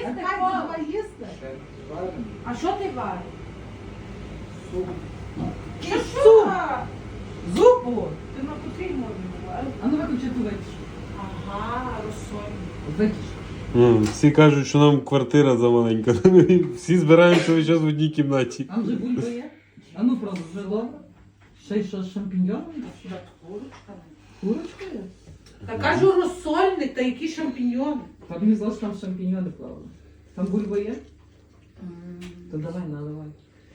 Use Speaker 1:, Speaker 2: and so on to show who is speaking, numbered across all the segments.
Speaker 1: Чекай, давай їсти. А що ти вариш? Що суп? Зупу? Ти на котрій мові говориш?
Speaker 2: А ну виключи ту витяжку.
Speaker 1: Ага, розсольник.
Speaker 2: Витяжку.
Speaker 3: Всі кажуть, що нам квартира замаленька. Всі збираємося весь час в одній кімнаті.
Speaker 2: Там вже бульба є. А ну просто жило. Ще й що з шампіньйонами?
Speaker 1: Сюди курочка.
Speaker 2: Курочка є?
Speaker 1: Та кажу розсольник, та які шампіньйони.
Speaker 2: Та мені здалося, що там шампіньйони плавали. Там бульба є? То давай, наливай.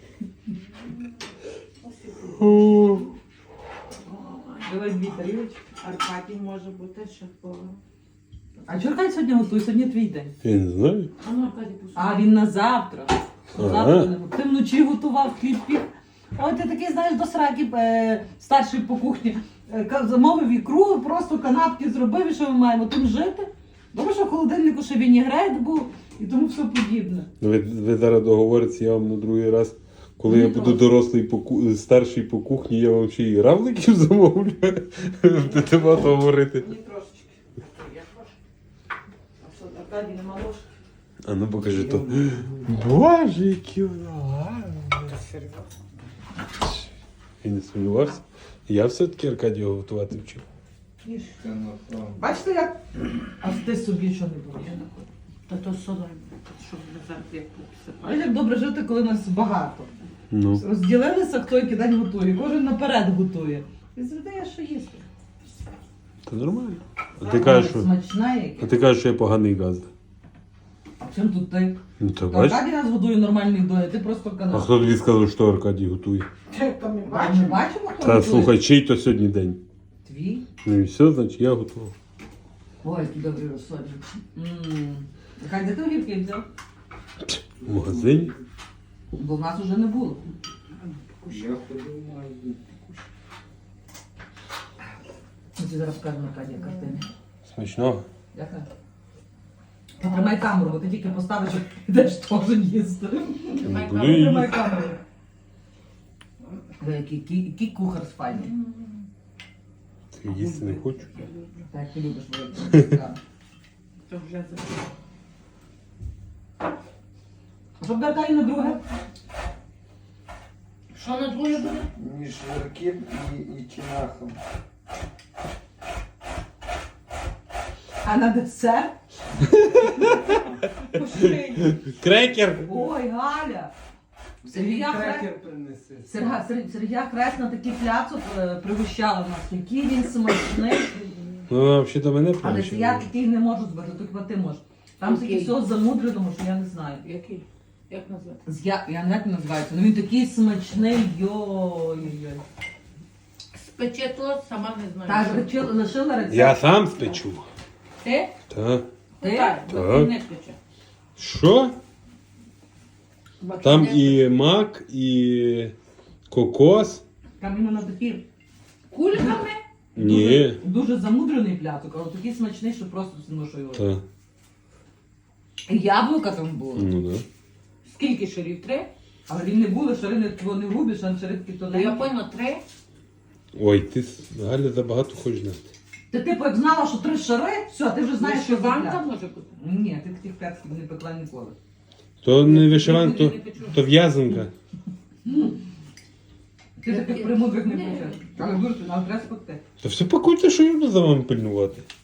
Speaker 2: Давай дві тарілочки.
Speaker 1: Аркадій може бути шеф-повар.
Speaker 2: А чого Аркадій сьогодні готує? Сьогодні твій день.
Speaker 3: Я не знаю.
Speaker 1: А ну, Аркадій, послухай.
Speaker 2: А він на завтра.
Speaker 3: Ага.
Speaker 2: Завтра не готує. Ти вночі готував хліб пік. Ой, ти такий, знаєш, до сраки старший по кухні. Замовив ікру, просто канапки зробив, і що ми маємо тим жити. Добре, що в холодильнику ще вінігрет був і тому все подібне.
Speaker 3: Ви зараз договоритеся, я вам на другий раз, коли я буду дорослий старший по кухні, я вам ще і равликів замовлю. Будете багато говорити.
Speaker 1: Мені трошечки. Я трошки. А що, Аркадій, нема ложки?
Speaker 3: А ну покажи то. Боже, які воно гарне.
Speaker 1: Серйозно?
Speaker 3: Я не сумнівався. Я все-таки Аркадія готувати вчив.
Speaker 1: Їж.
Speaker 2: Бачите, як? А ти собі що не було?
Speaker 1: Та то солоно, щоб не завжди як
Speaker 2: А
Speaker 1: посипати.
Speaker 2: як добре жити, коли нас багато.
Speaker 3: Ну.
Speaker 2: Розділилися, хто який день готує, кожен наперед готує. І завжди є що їсти.
Speaker 3: Та нормально. А ти кажеш, що,
Speaker 2: Смачна яке.
Speaker 3: що я поганий газда.
Speaker 2: А чим тут ти?
Speaker 3: Ну то
Speaker 2: Та
Speaker 3: бач.
Speaker 2: Аркадій нас годує нормальний доля, ти просто
Speaker 3: А
Speaker 2: канал.
Speaker 3: хто тобі сказав, що Аркадій готує?
Speaker 1: То ми
Speaker 2: Ми
Speaker 1: бачимо.
Speaker 2: бачимо, хто
Speaker 3: Та
Speaker 2: готує?
Speaker 3: слухай, чий то сьогодні день?
Speaker 2: Твій?
Speaker 3: Ну і все, значить я готував.
Speaker 2: Ой, який добрий розсольник. Хай де ти огірки взяв?
Speaker 3: В магазині.
Speaker 2: Бо в нас вже не було.
Speaker 4: Я ходив в магазин.
Speaker 2: Ми тобі зараз покажемо Аркадія картини.
Speaker 3: Смачного.
Speaker 2: Яка? Потримай камеру, бо ти тільки поставиш, і йдеш теж їсти.
Speaker 3: Буду
Speaker 2: Потримай
Speaker 3: їсти.
Speaker 2: камеру. Ви який кухар з файний.
Speaker 3: Ти їсти не хочу.
Speaker 2: Так, ти любиш вийти.
Speaker 1: То вже за-
Speaker 2: Щоб Аркадій на друге.
Speaker 1: Що на друге буде?
Speaker 4: Між Ярким і Чинахом.
Speaker 2: А на десерт?
Speaker 3: Крекер!
Speaker 2: Ой, Галя! Сергія
Speaker 4: Крекер принеси.
Speaker 2: Сергія Кресна такий пляцок пригощала в нас. Який він смачний.
Speaker 3: Ну, взагалі до мене
Speaker 2: Але
Speaker 3: прийшли.
Speaker 2: я такий не можу збити, тільки ти можеш. Там таке
Speaker 1: Окей.
Speaker 2: всього замудреного, що я не знаю.
Speaker 1: Який? Як назвати?
Speaker 2: Я не знаю, як він називається, але він такий смачний, йой-йой.
Speaker 1: Спече то, сама не знаю.
Speaker 2: Так, лишила рецепт.
Speaker 3: Я сам спечу.
Speaker 1: Ти?
Speaker 3: Так.
Speaker 2: Ти?
Speaker 1: Так,
Speaker 3: Так.
Speaker 1: бо не спече.
Speaker 3: Що?
Speaker 1: Бачу,
Speaker 3: Там
Speaker 1: не
Speaker 3: і мак, і кокос.
Speaker 2: Там іменно такий
Speaker 1: кульками?
Speaker 3: Ні.
Speaker 2: дуже замудрений пляцок, але такий смачний, що просто ношу його.
Speaker 3: Так.
Speaker 2: І яблука там було.
Speaker 3: Ну так.
Speaker 1: Скільки шарів? 3?
Speaker 2: Але він не були, шарини вони грубі, шаринки
Speaker 1: Ну, я
Speaker 2: тоненькі.
Speaker 1: поняла, 3.
Speaker 3: Ой, ти, Галя, забагато хочеш знати.
Speaker 2: Ти типу як знала, що 3 шари, все, ти вже знаєш, що за
Speaker 1: Вишиванка
Speaker 2: пляцок.
Speaker 1: може бути?
Speaker 2: Ні, ти таких пляцків не пекла ніколи.
Speaker 3: То не вишиван,
Speaker 1: Ніколи
Speaker 3: то,
Speaker 1: не печу.
Speaker 3: то в'язанка.
Speaker 2: Ти таких премудрих не почав. Але дуже, але треба спекти.
Speaker 3: Та все пакуйте, що я буду за вами пильнувати.